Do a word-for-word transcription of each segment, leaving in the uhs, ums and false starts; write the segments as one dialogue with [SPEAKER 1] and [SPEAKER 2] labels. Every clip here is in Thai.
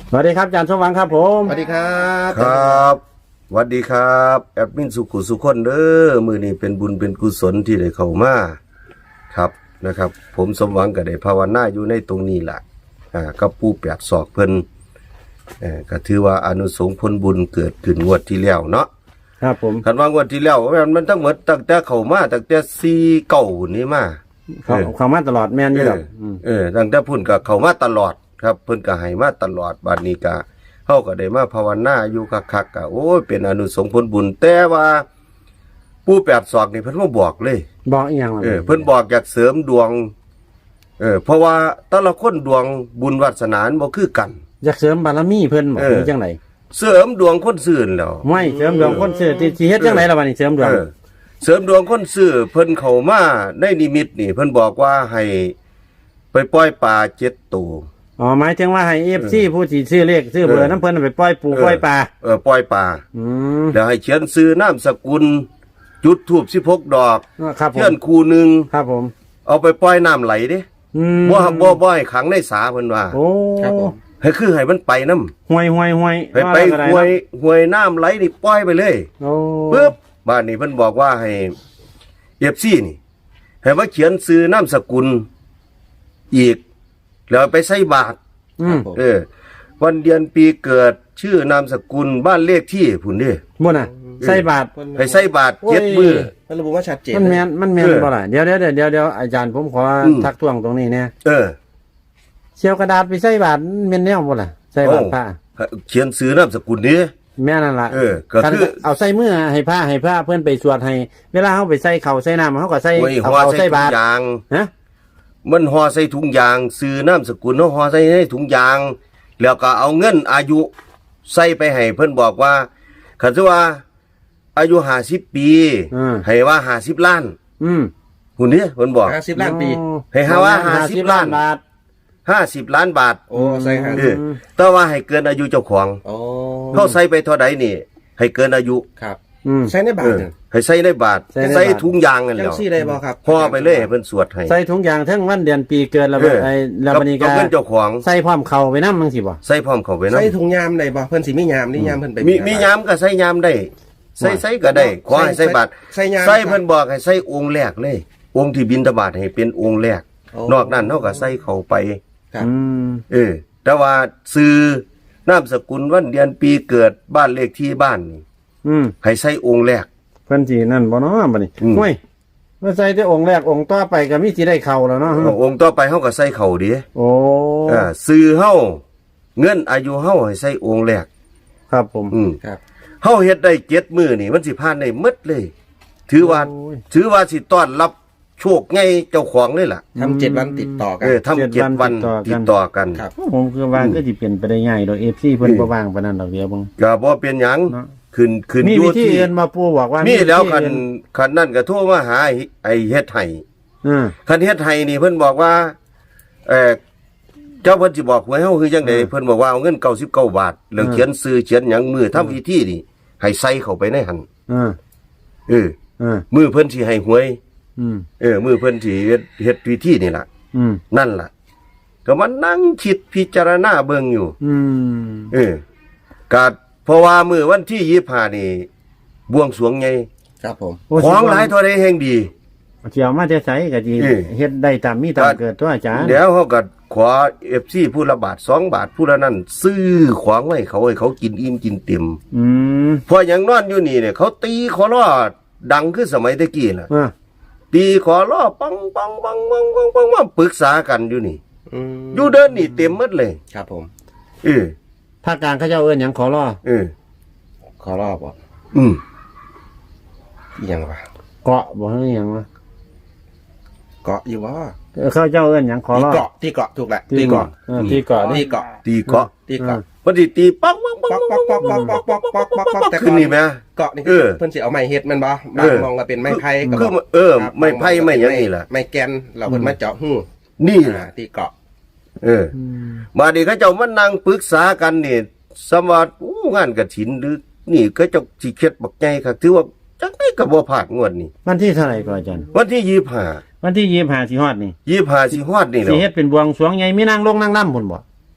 [SPEAKER 1] สวัสดีครับอาจารย์สมหวังครับผม
[SPEAKER 2] สวัสดีครับ
[SPEAKER 3] ครับสวัสดีครับแอดมินสุขุสุขคนเด้อมือนี้เป็นบุญเป็นกุศลที่ได้เข้ามาครับนะครับ ผมสมหวังก็ได้ภาวนาอยู่ในตรงนี้แหละอ่ากับปู่แปดศอกเพิ่นเอ่อก็ถือว่าอานุสงส์ผลบุญเกิดขึ้นงวดที่แล้วเนาะ
[SPEAKER 1] ครับผม
[SPEAKER 3] คันว่างวดที่แล้วมันมันทั้งหมดตั้งแต่เข้ามาตั้งแต่สี่เก้านี่มา
[SPEAKER 1] เขาเขามาตลอดแม่นอยู่
[SPEAKER 3] เอ
[SPEAKER 1] แล้
[SPEAKER 3] อ
[SPEAKER 1] ว
[SPEAKER 3] เออตั้งแต่พุ่นก็เข้ามาตลอดครับเพิ่นก็ให้มาตลอดบัดนี้ก็เฮาก็ได้มาภาวนาอยู่คักๆก็โอ้ยเป็นอนุสงส์ผลบุญแต่ว่าปู่แปดศอกนี่เพิ่นบ่บอกเลย
[SPEAKER 1] บอกอีหยังล่ะ
[SPEAKER 3] เออเพิ่นบอกอยากเสริมดวงเออเพราะว่าแต่ละคนดวงบุญวาสนาบ่คือกัน
[SPEAKER 1] อยากเสริมบารมีเพิ่นบ่
[SPEAKER 3] เออ
[SPEAKER 1] คือจังได๋
[SPEAKER 3] เสริมดวงคนซื่นแล้ว
[SPEAKER 1] ไม่เสริมดวงคนซื่อที่สิเฮ็ดจังไดล่ะบัดนี้เสริมดวง
[SPEAKER 3] เออเสริมดวงคนซื่อเพิ่นเข้ามาในนิมิตนี่เพิ่นบอกว่าให้ไปปล่อยปลาเจ็ดตัว
[SPEAKER 1] อ๋อหมายถึงว่าให้ เอฟ ซี ผู้สิซื้อเลขซื้อเบอร์น้ำเพิ่นไปปล่อยปูปล่อยปลา
[SPEAKER 3] เออปล่อยปลา
[SPEAKER 1] อืม
[SPEAKER 3] แล้วให้เขียนซื้อนามสกุลจุดธูปสิบหกดอก
[SPEAKER 1] ครับผ
[SPEAKER 3] เทีย
[SPEAKER 1] ม
[SPEAKER 3] นคู่หนึง
[SPEAKER 1] ครับผม
[SPEAKER 3] เอาไปปล่อยน้ำไหลเด้
[SPEAKER 1] อืม
[SPEAKER 3] บ่บ่บ่ให้ขังในสาเพิ่นว่า
[SPEAKER 1] โอ้
[SPEAKER 2] ครับผม
[SPEAKER 3] ให้คือให้มันไปนำ
[SPEAKER 1] ห่วยห่วยห่วย
[SPEAKER 3] ไปไปห้วยห้วยน้ำไหลนี่ปล่อยไปเลย
[SPEAKER 1] โอ้
[SPEAKER 3] ปึ๊บบ้านนี้เพิ่นบอกว่าให้ เอฟ ซี นี่ให้มาเขียนซื้อนามสกุลอีก แล้วไปใส่บาตร
[SPEAKER 1] อืม
[SPEAKER 3] เออ วันเดือนปีเกิดชื่อนามสกุลบ้านเลขที่พุ่นเด้
[SPEAKER 1] บ่น่ะใส่บาตร
[SPEAKER 3] ให้ใส่บาตรเจ็ดมื้อ
[SPEAKER 2] มันระบุว่าชัดเจน
[SPEAKER 1] มันแม่นมันแม่น
[SPEAKER 3] เออ
[SPEAKER 1] บ่ล่ะเดี๋ยวเดี๋ยวเดี๋ยวเดี๋ยวเดี๋ยวอาจารย์ผมขออ
[SPEAKER 3] ม
[SPEAKER 1] ทักท้วงตรงนี้เนี่ย
[SPEAKER 3] เออ
[SPEAKER 1] เชียวกระดาษไปใส่บาตรแม่นแนวบ่ล่ะใส่บาตรพระ
[SPEAKER 3] เขียนซื้อนามสกุลนี้
[SPEAKER 1] แม่นั่นล่ะ
[SPEAKER 3] เออก็คือ
[SPEAKER 1] เอาใส่มือให้ผ้าให้ผ้าเพื่อนไปสวดให้ เวลาเขาไปใส่เขาวใส่น้ำเขาก็ใส่
[SPEAKER 3] โอ้ย
[SPEAKER 1] เอา
[SPEAKER 3] ห่อ
[SPEAKER 1] เอา
[SPEAKER 3] ใส่
[SPEAKER 1] ใส่
[SPEAKER 3] ถุ
[SPEAKER 1] บาง ตร
[SPEAKER 3] ยาง
[SPEAKER 1] ฮะ
[SPEAKER 3] มันห่อใส่ถุงยางซื้อนามสกุลเนาะห่อใส่ในถุงยาง แล้วก็เอาเงินอายุใส่ไปให้เพิ่นบอกว่าคันสิว่า อายุห้าสิบปี
[SPEAKER 1] อืม
[SPEAKER 3] ให้ว่าห้าสิบล้าน
[SPEAKER 1] อืม
[SPEAKER 3] หุ่นนี้เพิ่นบอก
[SPEAKER 2] ห้าสิบล้านปี
[SPEAKER 3] ให้หาว่าห้าสิบล้าน
[SPEAKER 1] บาท
[SPEAKER 3] ห้าสิบล้านบาท
[SPEAKER 2] โอ้ใส่ห้า
[SPEAKER 3] เอ
[SPEAKER 2] สิบ
[SPEAKER 3] อแต่ว่าให้เกินอายุเจ้าของ
[SPEAKER 2] โอ้
[SPEAKER 3] เขาใส่ไปเท่าใดนี่ ให้เกินอายุ
[SPEAKER 2] ครับ
[SPEAKER 1] อืม
[SPEAKER 2] ใส่ในบา
[SPEAKER 3] เอ
[SPEAKER 2] ท
[SPEAKER 3] อ
[SPEAKER 2] หนึ่ง
[SPEAKER 3] ให้ใส่ในบาท
[SPEAKER 1] ใส่ในบาท
[SPEAKER 3] ใส่ถุงยางนั่นแห
[SPEAKER 2] จั
[SPEAKER 3] ละ
[SPEAKER 2] งซี่ได้บ่ครับ
[SPEAKER 3] ห่อไปเลยให้เพิ่นสวดให้
[SPEAKER 1] ใส่ถุงยางทั้งวันเดือนปีเกิดแล้ว
[SPEAKER 3] เออ
[SPEAKER 1] ไอ้แล้ว
[SPEAKER 3] กับ
[SPEAKER 1] บัดนี้ก็
[SPEAKER 3] กับเงินเจ้าของ
[SPEAKER 1] ใส่พร้อมเข่าไปน้ำมั้งสิบ่
[SPEAKER 3] ใส่พร้อมเข้าไปนำ
[SPEAKER 2] ใส่ถุงยามได้บ่เพิ่นสิมียามนี่ยามเพิ่นไป
[SPEAKER 3] มีมียามก็ใส่ยามได้ ใส่ใส่ก็ได้ขอให้ใส่บาท
[SPEAKER 2] ใส่ยาม
[SPEAKER 3] ใส่เพิ่นบอกให้ใส่องค์แรกเลย องค์ที่บิณฑบาตให้เป็นองค์แรก
[SPEAKER 2] โอ้
[SPEAKER 3] นอกนั้นเฮาก็ใส่เข้าไป
[SPEAKER 2] ครับ
[SPEAKER 1] อืม
[SPEAKER 3] เออ แต่ว่าซื้อนามสกุลวันเดือนปีเกิดบ้านเลขที่บ้านนี่
[SPEAKER 1] อืม
[SPEAKER 3] ให้ใส่องค์แรก
[SPEAKER 1] เพิ่นสินั่นบ่เนาะบัดนี้
[SPEAKER 3] อืม
[SPEAKER 1] ห้วยมาใส่แต่องค์แรกองค์ต่อไปก็มีสิได้เข้าแล้วเนาะ
[SPEAKER 3] องค์ต่อไปเฮาก็ใส่เข้าดิ
[SPEAKER 1] โอ้
[SPEAKER 3] อ่าซื้อเฮาเงินอายุเฮาให้ใส่องค์แรก
[SPEAKER 1] ครับผม
[SPEAKER 3] อืม
[SPEAKER 2] ครับ
[SPEAKER 3] เฮาเฮ็ดได้เจ็ดมื้อนี่มันสิผ่านได้หมดเลย ถือว่า
[SPEAKER 1] โอ้ย
[SPEAKER 3] ถือว่าสิต้อนรับโชคไงเจ้าของเลยล่ะ
[SPEAKER 2] ทำเจ็ดวันติดต่อกั
[SPEAKER 3] เอน อทำ
[SPEAKER 1] เจ็
[SPEAKER 3] เจ็
[SPEAKER 1] ด
[SPEAKER 3] ด
[SPEAKER 1] วั
[SPEAKER 3] วัน น
[SPEAKER 1] ติ
[SPEAKER 3] ติ
[SPEAKER 1] ด
[SPEAKER 3] ด
[SPEAKER 1] ต่
[SPEAKER 3] ต่
[SPEAKER 1] อ
[SPEAKER 3] อ
[SPEAKER 1] กั
[SPEAKER 3] กัน น
[SPEAKER 2] ครับ
[SPEAKER 1] ผมคือว่าก็สิเปลี่ยนไปได้ง่ายดอก เอฟ ซี เพิ่นบ่ว่างปานนั้นดอกเดียวเบิ่ง
[SPEAKER 3] ก็บ่เป็นหยัง
[SPEAKER 1] เนาะ
[SPEAKER 3] ขึ้นขึ้น
[SPEAKER 1] มี
[SPEAKER 3] อยู่
[SPEAKER 1] วิธี
[SPEAKER 3] ที่
[SPEAKER 1] อื่นมาปู่บอกว่า
[SPEAKER 3] มี
[SPEAKER 1] มี
[SPEAKER 3] แล้ว
[SPEAKER 1] วิธี
[SPEAKER 3] คัน
[SPEAKER 1] อื่
[SPEAKER 3] คันนั่นก็โทรมาหาไอ้ไอ้เฮ็ดให้
[SPEAKER 1] อืม
[SPEAKER 3] คันเฮ็ดให้นี่เพิ่นบอกว่าเอ่อเจ้าเพิ่นสิบอกหวยเฮาคือจังได๋เพิ่นบอกว่าเอาเงินเก้าสิบเก้าบาทแล้วเขียนชื่อเขียนหยังมือทำพิธีนี่ให้ใส่เข้าไปในหั่น
[SPEAKER 1] อืม
[SPEAKER 3] เออ
[SPEAKER 1] อืม
[SPEAKER 3] มือเพิ่นสิให้หวย
[SPEAKER 1] อืม
[SPEAKER 3] เออมือเพิ่นสิเฮ็ดเฮ็ดพิธีนี่ล่ะ
[SPEAKER 1] อืม
[SPEAKER 3] นั่นล่ะ ก็มานั่งคิดพิจารณาเบิ่งอยู่
[SPEAKER 1] อืม
[SPEAKER 3] เออก็เพราะว่ามื้อวันที่ยี่สิบห้านี่บวงสรวงใหญ่
[SPEAKER 2] ครับผม
[SPEAKER 1] โอ้
[SPEAKER 3] ของหลายเท่าใดแห่งดี
[SPEAKER 1] เสียวมาจะใส่ก็ดี
[SPEAKER 3] เออ
[SPEAKER 1] เฮ็ดได้ตามมีตามเกิดตัวอาจารย์
[SPEAKER 3] เดี๋ยวเขาก็ขอ เอฟ ซี ผู้ละบาทสองบาทผู้ละนั่นซื้อของไว้เขาให้เขากินอิ่มกินเต็ม
[SPEAKER 1] อืม
[SPEAKER 3] พออย่างนอนอยู่นี่เนี่ยเขาตีขอล้อดังคือสมัยตะกี้น่ะ
[SPEAKER 1] อ่า
[SPEAKER 3] ตีขอล้อปังปังปังปังปังปังมาปรึกษากันอยู่นี่
[SPEAKER 2] อืม
[SPEAKER 3] อยู่เดินนี่เต็มหมดเลย
[SPEAKER 2] ครับผม
[SPEAKER 3] เออ
[SPEAKER 1] ภาคกลางเขาเจ้าเอิ้นหยังขอรอ
[SPEAKER 3] เออ
[SPEAKER 2] ขอรอบบ่
[SPEAKER 3] อืม
[SPEAKER 2] อีหยังวะ
[SPEAKER 1] เกาะบ่ฮู้หยังวะ
[SPEAKER 2] เกาะอยู่บ่
[SPEAKER 1] เออเขาเจ้าเอิ้นหยังขอ
[SPEAKER 2] ที่
[SPEAKER 1] รอ
[SPEAKER 2] เกาะที่เกาะถูกแหละ
[SPEAKER 1] ที่เกาะเออที่เกาะ
[SPEAKER 2] ที่เกาะ
[SPEAKER 3] ตีเกาะ
[SPEAKER 2] ที่เกาะ
[SPEAKER 3] พอดีตีปังปังปัง
[SPEAKER 2] ป๊อกป๊อกป๊อกป๊อกป๊อกป๊อกป๊อกป๊อกป๊อกแต่
[SPEAKER 3] ขึ้นนี่ไหม
[SPEAKER 2] เกาะนี่
[SPEAKER 3] เออ
[SPEAKER 2] เพิ่นสิเอาไม้เฮ็ดแมันบ่
[SPEAKER 3] เอบ
[SPEAKER 2] าง
[SPEAKER 3] อ
[SPEAKER 2] มองก็เป็นไม้ไผ่ก็
[SPEAKER 3] คือ
[SPEAKER 2] บอก
[SPEAKER 3] เออ
[SPEAKER 2] ครับ
[SPEAKER 3] ไม่ไผ่ไม่หยังนี่ล่ะ
[SPEAKER 2] ไม้แกนเราเพิ่นมาเจาะหู้
[SPEAKER 3] นี่
[SPEAKER 2] อ่า
[SPEAKER 3] ล่ะ
[SPEAKER 2] ที่เกาะ
[SPEAKER 3] เออ
[SPEAKER 1] อืม
[SPEAKER 3] มาดิเขาเจ้ามานั่งปรึกษากันนี่สมวัติอู้งานกฐินหรือนี่เขาเจ้าสิเข็ดบักใหญ่ครับถือว่าจังได๋ก็บ่พลาดงวดนี้
[SPEAKER 1] วันที่เท่าไหร่ก่อนอาจารย์
[SPEAKER 3] วันที่ยี่สิบห้า
[SPEAKER 1] วันที่ยี่สิบห้าสิฮอดนี่
[SPEAKER 3] ยี่สิบห้าสิฮอดนี่แห
[SPEAKER 1] สิ
[SPEAKER 3] ล้ว
[SPEAKER 1] เฮ็ดเป็นบวงสรวงใหญ่มีนางลงนางล่ำพุ่นบ่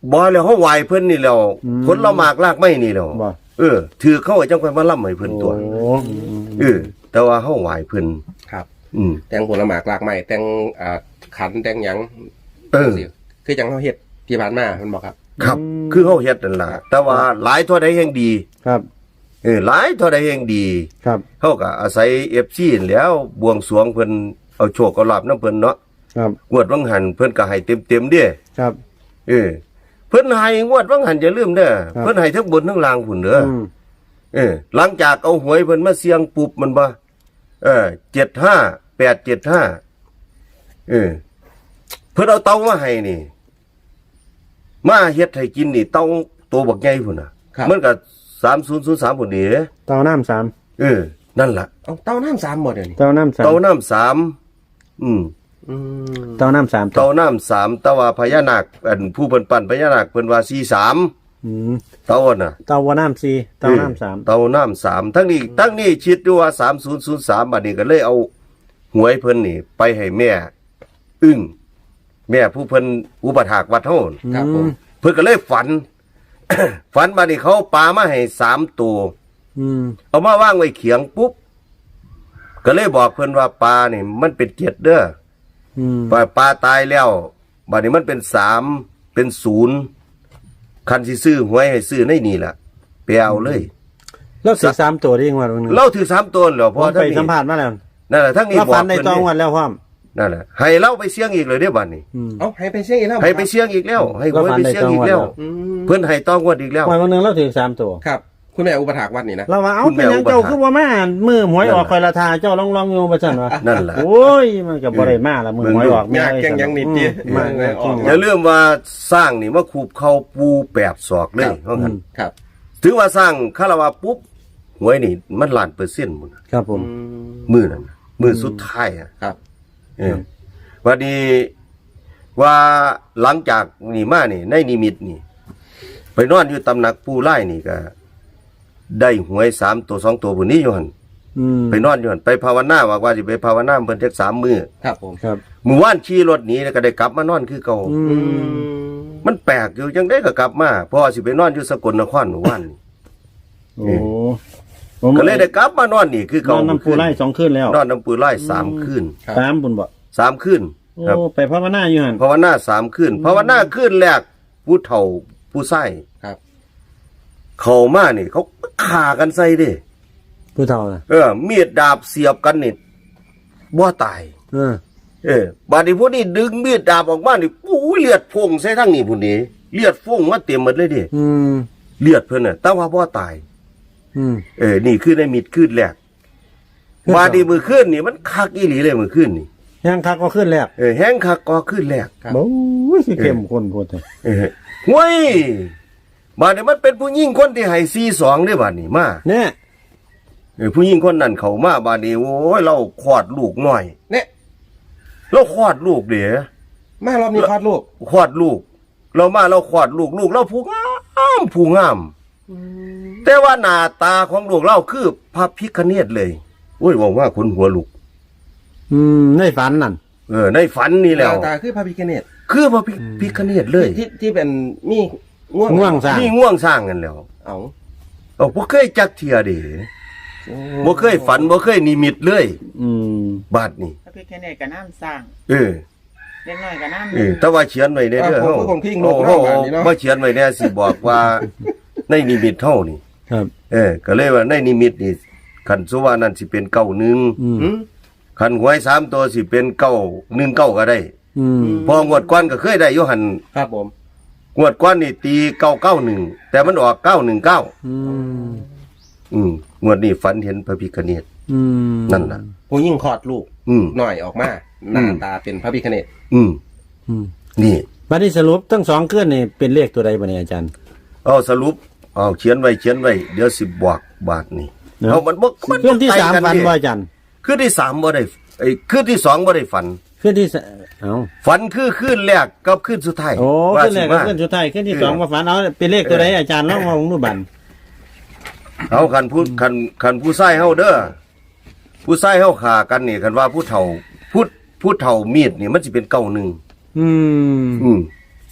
[SPEAKER 3] บ่แล้วเฮาไหว้เพิ่นนี่แล้วผลละหมากรากไม้นี่แล้ว
[SPEAKER 1] บ่
[SPEAKER 3] เออถือเข้าไว้จังค่อยมาล่ำให้เพิ่นตัว
[SPEAKER 1] โอ้
[SPEAKER 3] เออแต่ว่าเฮาไหว้เพิ่น
[SPEAKER 2] ครับ
[SPEAKER 3] อืม
[SPEAKER 2] แต่งผลหมากลากไม้แต่งอ่าขันแต่งหยัง
[SPEAKER 3] เออ
[SPEAKER 2] สิคือจังเฮาเฮ็ดที่ผ่านมาเพิ่นบอกครับ
[SPEAKER 3] ครับ คือเฮาเฮ็ดนั่นล่ะแต่ว่าหลายเท่าใดแห่งดี
[SPEAKER 1] ครับ
[SPEAKER 3] เออหลายเท่าใดแห่งดี
[SPEAKER 1] ครับ
[SPEAKER 3] เฮาก็อาศัย เอฟ ซี นั่นแหล้วบวงสรวงเพิ่นเอาโชคเอาลาภนำเพิ่นเนาะ
[SPEAKER 1] ครับ
[SPEAKER 3] งวดวังหันเพิ่นก็ให้เต็มๆเด้
[SPEAKER 1] ครับ
[SPEAKER 3] เออเพิ่นให้งวดวังหันอย่าลืมเด้อ
[SPEAKER 1] ครับ
[SPEAKER 3] เพิ่นให้ทั้งบนทั้งล่างพุ่นเด้ออ
[SPEAKER 1] อืม
[SPEAKER 3] เออหลังจากเอาหวยเพิ่นมาเสี่ยงปุ๊บมันบ่เออเจ็ดห้า แปดเจ็ดห้าเออเพิ่นเอาเตามาให้นี่ มาเฮ็ดให้กินนี่เตาตัวบักใหญ่พุ่นน่ะ
[SPEAKER 2] ครับ
[SPEAKER 3] มันก็สามศูนย์ศูนย์สามพุ่นนี่เด้
[SPEAKER 1] เตาน้ำสาม
[SPEAKER 3] เออนั่นล่ะ
[SPEAKER 2] เอาเต้าน้ำสามหมดเดี๋ยวนี้
[SPEAKER 1] เตาน้ำสาม
[SPEAKER 3] เตาน้ำสามอืม
[SPEAKER 2] อืม
[SPEAKER 1] เตาน้ำสาม
[SPEAKER 3] เตาน้ำสามแต่ว่าพญานาคอันผู้เพิ่นปั้นพญานาคเพิ่นว่าสี่สาม
[SPEAKER 1] อืม
[SPEAKER 3] เตาน่ะ
[SPEAKER 1] เตาว่าน้ำสี่เตาน้ำสาม
[SPEAKER 3] เตาน้ำสามทั้งนี้ทั้งนี้คิดดูว่าสามศูนย์ศูนย์สามบัดนี้ก็เลยเอาหวยเพิ่นนี่ ไปให้แม่ อึ้งแม่ผู้เพิ่นอุปถากวัดเฮา
[SPEAKER 2] ครับผม
[SPEAKER 3] เพิ่นก็เลยฝัน ฝันบัดนี้เขาปามาให้สามตัว
[SPEAKER 1] อืม
[SPEAKER 3] เอามาวางไว้เขียงปุ๊บก็เลยบอกเพิ่นว่าปลานี่มันเป็นเจ็ดเด้อ
[SPEAKER 1] อืม
[SPEAKER 3] ปลาปลาตายแล้วบัดนี้มันเป็นสามเป็นศูนย์คันสิซื้อหวยให้ซื้อในนี่ล่ะไปเอาเลย
[SPEAKER 1] แล้วสิสามตัวได้ยังไงวันนึง
[SPEAKER 3] เราถือสามตัวเหรอ
[SPEAKER 1] ผ
[SPEAKER 3] พอ
[SPEAKER 1] ม
[SPEAKER 3] ทั้
[SPEAKER 1] ไป
[SPEAKER 3] งนี้
[SPEAKER 1] สัมผัสมาแล้ว
[SPEAKER 3] นั่นแหละทั้งนี้
[SPEAKER 1] แล้ว
[SPEAKER 3] บอก
[SPEAKER 1] ฟันใน
[SPEAKER 3] เพิ่น
[SPEAKER 1] ตอง
[SPEAKER 3] นี่
[SPEAKER 1] วันแล้วพ่อม
[SPEAKER 3] นั่นแหละให้เราไปเสี่ยงอีกเลยเด้อบัดนี้
[SPEAKER 1] อืม
[SPEAKER 2] เอาให้ไปเสี่ยงอีกแล้ว
[SPEAKER 3] ให้ไปเสี่ยงอีกแล้ว ให้หวยไปเสี่ยงอีกแล้ว
[SPEAKER 2] อืม
[SPEAKER 3] เพิ่นให้ต้องวดอีกแล้ว
[SPEAKER 1] วันวันหนึงเราถือสามตัว
[SPEAKER 2] ครับ คุณแม่อุปถากวัดนี่นะ
[SPEAKER 1] เราว่าเอา
[SPEAKER 3] คุณแม่
[SPEAKER 1] เป็นหยัง
[SPEAKER 3] อุปถัมภ์
[SPEAKER 1] เจ้าคือว่ามามือหวยออก
[SPEAKER 3] นั่นแหละ
[SPEAKER 1] คอยละทาเจ้าลองลองอยู่ประจันวะ
[SPEAKER 3] นั่นแหละ
[SPEAKER 1] โอ้ยมันก็บ่ได้มาละมือหวยออก
[SPEAKER 2] ยากแกงยังนิดเดียว
[SPEAKER 1] อืมมาก
[SPEAKER 2] เออออก
[SPEAKER 3] อย่าลืมว่าสร้างนี่มาคูบเข้าปูแปดศอกเลยเพราะงั้น
[SPEAKER 2] ครับ
[SPEAKER 3] ถือว่าสร้างคาราวาปุ๊บหวยนี่มันล้านเปอร์เซ็นต์หมดน่ะ
[SPEAKER 1] ครับผม
[SPEAKER 2] อืม
[SPEAKER 3] มือนั่นน่ะมือสุดท้ายอ่ะ
[SPEAKER 2] ครับ
[SPEAKER 3] เออวันนี้ว่าหลังจากนี่มานี่ในนิมิตนี่ ไปนอนอยู่ตำหนักปูไล่นี่ก็ ได้หวยสามตัวสองตัวผู้นี้อยู่หัน
[SPEAKER 1] อืม
[SPEAKER 3] ไปนอนอยู่หันไปภาวนาว่าว่าสิไปภาวนาเพิ่นเทกสามมือ
[SPEAKER 2] ครับผม
[SPEAKER 1] ครับ
[SPEAKER 3] มื้อวานขี่รถหนีแล้วก็ได้กลับมานอนคือเก่า
[SPEAKER 1] อื
[SPEAKER 2] อื
[SPEAKER 1] ม
[SPEAKER 2] ม
[SPEAKER 3] มันแปลกอยู่จังได้ก็กลับมาเพราะว่าสิไปนอนอยู่สกลนครเมื่อวานนี่
[SPEAKER 1] โอ้ผม
[SPEAKER 3] ก็เลยได้กลับมานอนนี่คือน เก่า
[SPEAKER 1] อนน้ำปูไล่สองคืนแล้ว
[SPEAKER 3] นอนน้ำปูไล่สามคืน
[SPEAKER 2] ครับ
[SPEAKER 1] สามบุญบ่
[SPEAKER 3] สามคืน
[SPEAKER 1] โอ้
[SPEAKER 3] ครับ
[SPEAKER 1] ไปภาวนาอยู่หัน
[SPEAKER 3] ภาวนาสามคืนภาวนาคืนแรกผู้เฒ่าผู้ไส้
[SPEAKER 2] ครับ
[SPEAKER 3] เข้ามานี่ เขาฆ่ากันใส่เด้
[SPEAKER 1] ผู้เฒ่าน่ะ
[SPEAKER 3] เออมีดดาบเสียบกันนี่บ่ตาย
[SPEAKER 1] เออ
[SPEAKER 3] เออบาดนี้พวกนี้ดึงมีดดาบออกมานี่โอ้ยเลือดพุ่งใส่ทั้งนี้พุ่นนี้เลือดพุ่งมาเต็มหมดเลยเดิ
[SPEAKER 1] อืม
[SPEAKER 3] เลือดเพิ่นน่ะแต่ว่าบ่ตาย
[SPEAKER 1] อืม
[SPEAKER 3] เออนี่คือในมิดคืนแรกบาดนี้มื้อคืนนี่มันคักอีหลีเลยมื้อคืนนี่
[SPEAKER 1] ยังคักก็ขึ้นแล้ว
[SPEAKER 3] เออแห้งคักก็คืนแรก
[SPEAKER 2] ครับ
[SPEAKER 1] โอ้ยสิเข้มข้นโพดเลย
[SPEAKER 3] เออห้วยบาดนี้มันเป็นผู้หญิงคนที่ให้สี่สองเด้บาดนี้มา
[SPEAKER 1] เนี่ย
[SPEAKER 3] เออผู้หญิงคนนั้นเข้ามาบาดนี้โอ้ยเราคลอดลูกน้อย
[SPEAKER 2] เนี่ย
[SPEAKER 3] เราคลอดลูกเด้อ
[SPEAKER 2] มารอบนี้คลอดลูก
[SPEAKER 3] คลอดลูก เรามาเราคลอดลูกลูกเราผู้งามผู้งาม แต่ว่าหน้าตาของลูกเราคือพระพิฆเนศเลยโอ้ยบอกว่าคนหัวลูก
[SPEAKER 1] อืมในฝันนั่น
[SPEAKER 3] เออในฝันนี่แหล้ว
[SPEAKER 2] หน้าตาคือพระพิฆเนศ
[SPEAKER 3] คือพระพิพิฆเนศเลย
[SPEAKER 2] ที่ที่เป็นมีง่วง
[SPEAKER 1] ง่วงสร้าง
[SPEAKER 3] นี่ง่วงสร้างกันแล้ว
[SPEAKER 2] เอา
[SPEAKER 3] เอาบ่เคยจักเทียเด้บ่เคยฝันบ่เคยนิมิตเลย
[SPEAKER 1] อืม
[SPEAKER 3] บาดนี้
[SPEAKER 4] พระพิฆเนศกับน้ำสร้าง
[SPEAKER 3] เออ
[SPEAKER 4] เล็กน้อยกับน้ำ
[SPEAKER 3] เออแต่ว่าเขียนไว้ในเด้อ
[SPEAKER 2] เฮา
[SPEAKER 3] เฮา
[SPEAKER 2] คนพิงลู
[SPEAKER 3] โอ้
[SPEAKER 2] ก
[SPEAKER 3] โห
[SPEAKER 2] เนาะบ้านนี้เนาะ
[SPEAKER 3] บ่เขียนไว้แน่สิบอกว่า ในนิมิตเฮานี่
[SPEAKER 1] ครับ
[SPEAKER 3] เออ ก็เลยว่าในนิมิตนี่คันสุว่านั่นสิเป็นเก้าหนึ่ง
[SPEAKER 1] อืม
[SPEAKER 2] อืม
[SPEAKER 3] คันหวยสามตัวสิเป็นเก้าหนึ่งเก้าก็ได้
[SPEAKER 1] อืม
[SPEAKER 3] พองวดก้อนก็เคยได้อยู่หัน
[SPEAKER 2] ครับผม
[SPEAKER 3] งวดก้อนนี่ตีเก้าเก้าหนึ่งแต่มันออกเก้าหนึ่งเก้า
[SPEAKER 1] อืม
[SPEAKER 3] อืมงวดนี้ฝันเห็นพระพิฆเนศ
[SPEAKER 1] อืม
[SPEAKER 3] นั่นล่ะ
[SPEAKER 2] ผู้หญิงคลอดลูก
[SPEAKER 3] อืม
[SPEAKER 2] หน่อยออกมาหน้าตาเป็นพระพิฆเนศ
[SPEAKER 3] อืม
[SPEAKER 1] อืม
[SPEAKER 3] นี่
[SPEAKER 1] วันนี้สรุปทั้งสองเคลื่อนนี่เป็นเลขตัวใดบ่เนี่ยอาจารย์
[SPEAKER 3] เอาสรุปเอาเขียนไว้เขียนไว้เดี๋ยวสิบอกบาทนี่
[SPEAKER 1] เนาะ
[SPEAKER 3] เอามันบ่มัน
[SPEAKER 1] เคลื่อนที่สาม
[SPEAKER 3] ใกล้กั
[SPEAKER 1] ฝัน
[SPEAKER 3] ดิ
[SPEAKER 1] ว่าอาจารย์
[SPEAKER 3] คืนที่สามบ่ได้ไอ้คืนที่สองบ่ได้ฝัน
[SPEAKER 1] เคลื่อนที่สเอ้า
[SPEAKER 3] ฝันคือคืนแรกกับคืนสุดท้าย
[SPEAKER 1] โอ้
[SPEAKER 3] ว่า
[SPEAKER 1] ขึ้นแรก
[SPEAKER 3] สิ
[SPEAKER 1] กับ
[SPEAKER 3] มา
[SPEAKER 1] ขึ้นสุดท้ายขึ้นที่สองมาฝันเอาเป็นเลขตัวใดอาจารย์ลองมาลงดูบัน
[SPEAKER 3] เอาคันผู้คันคันผู้ชายเฮาเด้อผู้ชายเฮาฆ่ากันนี่คันว่าผู้เฒ่าผู้ผู้เฒ่ามีดนี่มันสิเป็นเก้าหนึ่ง
[SPEAKER 1] อืม
[SPEAKER 3] อืม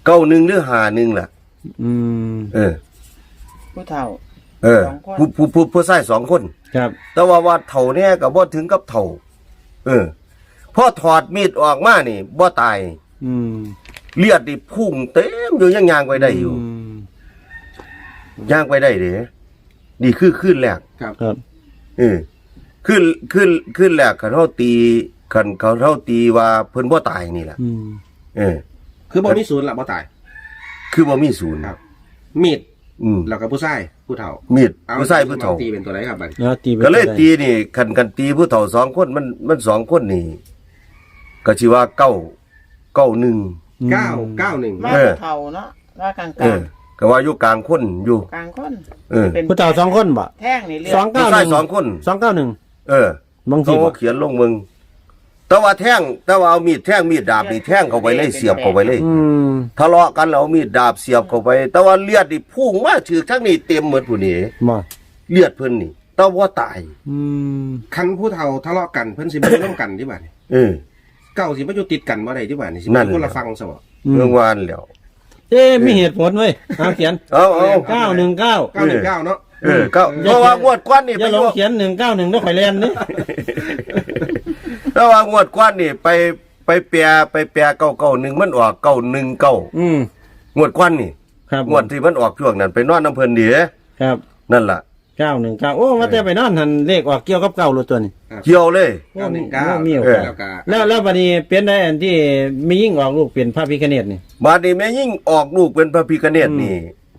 [SPEAKER 3] เก้าหนึ่งหรือห้าหนึ่งล่ะ
[SPEAKER 1] อืม
[SPEAKER 3] เออ
[SPEAKER 4] ผู้เฒ่า
[SPEAKER 3] เออ
[SPEAKER 4] สองคน
[SPEAKER 3] ผู้ผู้ผู้ผู้ชายสองคน
[SPEAKER 1] ครับ
[SPEAKER 3] แต่ว่าว่าเถ่าเนี่ยก็บ่ถึงกับเถ่า เออพอถอดมีดออกมานี่บ่ตาย
[SPEAKER 1] อืม
[SPEAKER 3] เลือดนี่พุ่งเต็มอยู่ยังยางไปได้อยู่
[SPEAKER 1] ม
[SPEAKER 3] ย่างไปได้เด้นี่คือขึ้นแรก
[SPEAKER 2] ครับ
[SPEAKER 1] ครับ
[SPEAKER 3] เออขึ้นขึ้นขึ้นแรกคันเฮาตีคันเขาเฮาตีว่าเพิ่นบ่ตายนี่ล่ะ
[SPEAKER 1] อืม
[SPEAKER 3] เออ
[SPEAKER 2] คือบ่มีศูนย์ละบ่ตาย
[SPEAKER 3] คือบ่มีศูนย์
[SPEAKER 2] ครับ มีด
[SPEAKER 3] อืม
[SPEAKER 2] แล้วก็ผู้ชายผู้เฒ่า
[SPEAKER 3] มีด
[SPEAKER 2] เอา
[SPEAKER 3] ผู้ชายผู้เฒ่า
[SPEAKER 2] ตีเป็นตัวไหนครับบัดนี้
[SPEAKER 1] แล้วตีไป
[SPEAKER 3] ก็เลย
[SPEAKER 1] ได้
[SPEAKER 3] ตีนี่คันกันตีผู้เฒ่าสองคนมันมันสองคนนี่ก็สิว่าเก้าเก้าหนึ่ง
[SPEAKER 1] อืม
[SPEAKER 2] เก้าเก้าหนึ่ง
[SPEAKER 4] ว่า
[SPEAKER 3] เออ
[SPEAKER 4] ผู้เฒ่าเนาะว่ากลาง
[SPEAKER 3] เออก็ว่าอยู่กลางคนอยู่
[SPEAKER 4] ๆกลางคน
[SPEAKER 3] เออ
[SPEAKER 4] เป็น
[SPEAKER 1] ผู้เฒ่าสองคนบ่
[SPEAKER 4] แท่งนี่เรีย
[SPEAKER 1] สอง
[SPEAKER 4] ก
[SPEAKER 1] เก้า
[SPEAKER 3] ผู้
[SPEAKER 1] ห
[SPEAKER 3] ชาย
[SPEAKER 1] นึ่ง
[SPEAKER 3] สองคน
[SPEAKER 1] สองเก้าหนึ่ง
[SPEAKER 3] เออ
[SPEAKER 1] บางที
[SPEAKER 3] เขา
[SPEAKER 1] บ่
[SPEAKER 3] เขียนลงมึงแต่ว่าแท่งแต่ว่าเอามีดแท่งมีดดาบนี่แท่งเข้าไปเลยเสียบเข้าไปเลย
[SPEAKER 1] อืม
[SPEAKER 3] ทะเลาะกันแล้วเอามีดดาบเสียบเข้าไป แต่ว่าเลือดนี่พุ่งมาถือทั้งนี้เต็มหมดผู้นี้
[SPEAKER 1] บ่
[SPEAKER 3] เลือดเพิ่นนี่แต่ว่าตาย
[SPEAKER 1] อืม
[SPEAKER 2] คันผู้เฒ่าทะเลาะกันเพิ่นสิบ่ร่วมกันที่บัดนี้
[SPEAKER 3] เออ
[SPEAKER 2] เก้าสิบ่อยู่ติดกันบ่ได้ที่บัดนี้สิ
[SPEAKER 3] นั่
[SPEAKER 2] เป็น
[SPEAKER 3] น
[SPEAKER 2] คนละฟังซะบ่
[SPEAKER 3] เมื่อวานแล้ว
[SPEAKER 1] เอ๊ะมีเหตุผลเว้ยเอาเขียน
[SPEAKER 3] เอาเอา
[SPEAKER 1] เก้าหนึ่งเก้า
[SPEAKER 2] เก้าหนึ่งเก้าเนาะ
[SPEAKER 3] เออก็เพราะว่างวดกว้านนี่
[SPEAKER 1] อ
[SPEAKER 3] ไป
[SPEAKER 1] ย่าหล
[SPEAKER 3] อง ยู่
[SPEAKER 1] เขียนหนึ่งเก้าหนึ่งด้วยข่อยแลนนี่
[SPEAKER 3] เพราะว่างวดกว้านนี่ไปไปแปรไปแปรเก้าเก้าหนึ่งมันออกเก้าหนึ่งเก้า
[SPEAKER 1] อืม
[SPEAKER 3] งวดกว้านนี่
[SPEAKER 1] ครับ
[SPEAKER 3] งวดที่มันออกช่วงนั้นไปนอนน้ำเพลินเดีย
[SPEAKER 1] ครับ
[SPEAKER 3] นั่นล่ะ
[SPEAKER 1] เก้าหนึ่งเก้าโอ้ว่าแต่ไปนอนหันเลขออกเกี่ยวกับเก้ารู้ตัวนี่
[SPEAKER 3] เกี่ยวเลย
[SPEAKER 2] เก้าหนึ่งเก้า
[SPEAKER 1] โอ้มีโอ
[SPEAKER 3] เออ
[SPEAKER 1] กาส
[SPEAKER 2] แล้วก็
[SPEAKER 1] แล้วแล้วบัดนี้เป็นได้อันที่มียิ่งออกลูกเปลี่ยนพระพิฆเนศนี่
[SPEAKER 3] บาดนี้แม่ยิ่งออกลูกเป็นพระพิฆเนศนี่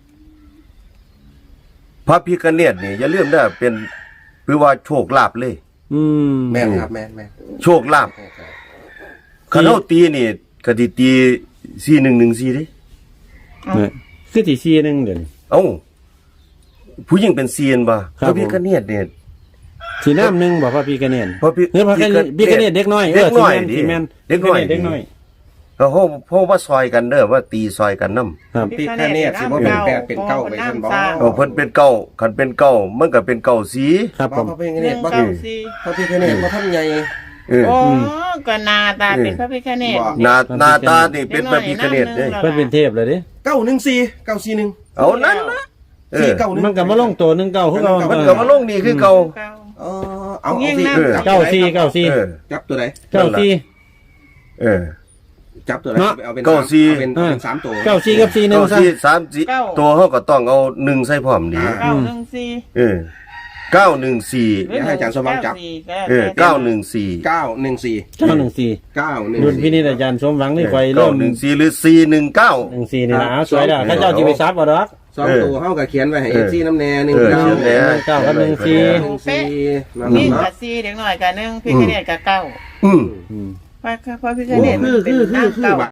[SPEAKER 3] พระพิฆเนศนี่อย่าลืมได้อเป็นคือว่าโชคลาภเลย
[SPEAKER 1] อืม
[SPEAKER 2] แม่นครับแม่นแม่น
[SPEAKER 3] โชคลาภคันเฮาตีนี่ก็สิตีสี่หนึ่งหนึ่งสี่เด้
[SPEAKER 1] เนี่ยคือที่ซีหนึงเดี๋ยวนี้
[SPEAKER 3] เอ้าผู้หญิงเป็นเซียนบ่
[SPEAKER 1] ครั
[SPEAKER 3] พ
[SPEAKER 1] บ
[SPEAKER 3] ระพิฆเนศเนี่ย
[SPEAKER 1] สีน้ำหนึ่งบอกพระพิฆเนศ
[SPEAKER 3] พระพิ
[SPEAKER 1] เนื้อพระพิฆเนศเด็กน้อย
[SPEAKER 3] เด็กน้อย
[SPEAKER 1] เออ
[SPEAKER 3] ดิ
[SPEAKER 1] สีแมน
[SPEAKER 3] เด็กน้อย
[SPEAKER 1] เด็กน้อย
[SPEAKER 3] เขาเฮาเพราะว่าซอยกันเด้อว่าตีซอยกันนำ
[SPEAKER 1] ครับ
[SPEAKER 2] พี่แค่เนตสิบ่เป็นแปดเป็นเก้าไปท่านบ่
[SPEAKER 3] เอาเพิ่นเป็นเก้าคันเป็นเก้ามันก็เป็นเก้าสี
[SPEAKER 1] ครับ
[SPEAKER 2] บ่
[SPEAKER 1] ผม
[SPEAKER 2] พระพิฆ
[SPEAKER 4] ห
[SPEAKER 2] เน
[SPEAKER 4] นึ่
[SPEAKER 2] ศ
[SPEAKER 4] ง
[SPEAKER 2] บ่
[SPEAKER 4] เก้าสี่
[SPEAKER 2] พระพิฆเนศบ่ท่านใหญ่
[SPEAKER 3] เออ
[SPEAKER 4] โอ้ก็หนาตาเป็นพระพิฆเนศ
[SPEAKER 2] บ่
[SPEAKER 3] หน้าหน้าตานี่เป็นพระพิฆเนศเด้
[SPEAKER 4] เด็กน้อย
[SPEAKER 1] เพิ่นเป็นเทพเลยดิ
[SPEAKER 2] เก้าหนึ่งสี่เก้าสี่หนึ่ง
[SPEAKER 3] เอานั้นนะเอ
[SPEAKER 2] สี่
[SPEAKER 3] อ
[SPEAKER 2] เก้าหนึ่ง
[SPEAKER 1] มันก็มาลงตัวหนึ่งเก้าคือเรา
[SPEAKER 3] มันก็มาลงนี่คือเก่า
[SPEAKER 4] เก้า
[SPEAKER 2] เออเอา
[SPEAKER 4] ยิ่
[SPEAKER 2] เอา
[SPEAKER 4] ง
[SPEAKER 2] สิ
[SPEAKER 4] นั่ง
[SPEAKER 2] จับ
[SPEAKER 1] เก้าสี่เก้าสี่
[SPEAKER 3] เออ
[SPEAKER 2] จับตัวไหน
[SPEAKER 1] เก้าสี่
[SPEAKER 3] เออ
[SPEAKER 2] จับตัวไหน
[SPEAKER 1] เนาะ
[SPEAKER 2] เอาเป็น
[SPEAKER 3] เก้าสี่
[SPEAKER 2] เอาเป็นเอาเป็นสามตัว
[SPEAKER 1] เก้าสี่กับสี่หนึ่ง
[SPEAKER 3] เก้า
[SPEAKER 1] ซะ
[SPEAKER 3] สี่สามสี่ตัวเฮาก็ต้องเอาหนึ่งใส่พร้อมดี
[SPEAKER 4] เก้าหนึ่งสี่
[SPEAKER 3] เออเก้าหนึ่งสี่
[SPEAKER 2] เดี๋ยวให้อาจารย์สมหวังจับ
[SPEAKER 3] เออเก้าหนึ่งสี่
[SPEAKER 2] เก้าหนึ่งสี่
[SPEAKER 1] เก้าหนึ่งสี่
[SPEAKER 2] เก้าหนึ่ง
[SPEAKER 1] รุ่นพี่
[SPEAKER 2] สี่
[SPEAKER 1] นี่อาจารย์สมหวังนี่คอย
[SPEAKER 3] เก้า
[SPEAKER 1] เริ่ม
[SPEAKER 3] หนึ่งสี่หรือสี่หนึ่งเก้า
[SPEAKER 1] หนึ่งสี่นี่นะสวยแล้วข้าเจ้าจีไปซับเอาดอก
[SPEAKER 2] สองตัวเฮาก็เขียนไว้ให้
[SPEAKER 3] เอ
[SPEAKER 2] เอ
[SPEAKER 3] อ
[SPEAKER 2] ฟซีน้ำแน่หนึ่ง
[SPEAKER 3] เออ
[SPEAKER 2] เก้า
[SPEAKER 3] เขียนแน่
[SPEAKER 1] หนึ่งเก้ากับหนึ่งสี่
[SPEAKER 2] หนึ่งสี่นั่น
[SPEAKER 4] นี่
[SPEAKER 2] เนาะ
[SPEAKER 4] กับสี่เด็กน้อยกับหนึ่งพิฆเนศกับเก้า
[SPEAKER 3] อืม
[SPEAKER 1] อืม
[SPEAKER 4] พระพระพิฆ
[SPEAKER 2] โอ้
[SPEAKER 4] เนศ
[SPEAKER 2] คือ
[SPEAKER 4] เป็
[SPEAKER 2] คื
[SPEAKER 4] น
[SPEAKER 2] อคือ
[SPEAKER 4] น้ำ
[SPEAKER 2] คือ
[SPEAKER 4] เก้า
[SPEAKER 2] บัด